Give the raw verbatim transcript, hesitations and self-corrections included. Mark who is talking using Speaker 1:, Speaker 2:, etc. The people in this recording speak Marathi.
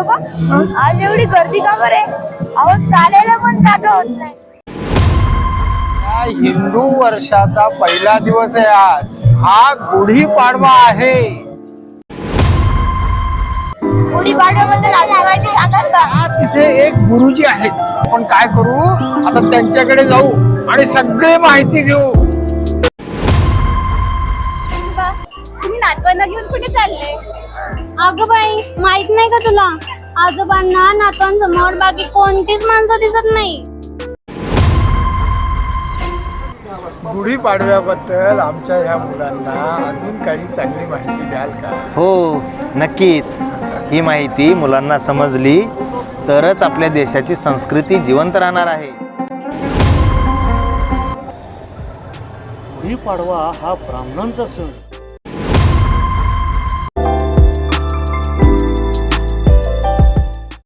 Speaker 1: आजोबा आज एवढी गर्दी का बरे? अहो चालायला पण जागा होत नाही.
Speaker 2: या हिंदू वर्षाचा पहिला दिवस आहे आज. हा गुढीपाडवा आहे.
Speaker 1: गुढीपाडव्याबद्दल अजून माहिती सांगाल का?
Speaker 2: हा, तिथे एक गुरुजी आहेत. आपण काय करू आता त्यांच्याकडे जाऊ आणि सगळी माहिती घेऊ.
Speaker 1: तुम्ही नातवांना घेऊन कुठे चालले?
Speaker 3: अगं बाई, माहित नाही का तुला? आजोबांना नातवांसमोर बाकी कोणतीच माणसं दिसत नाही.
Speaker 2: गुढीपाडव्याबद्दल आमच्या ह्या मुलांना अजून काही चांगली माहिती द्याल का?
Speaker 4: हो नक्कीच. ही माहिती मुलांना समजली तरच आपल्या देशाची संस्कृती जिवंत राहणार आहे.
Speaker 5: गुढीपाडवा हा ब्राह्मणांचा सण.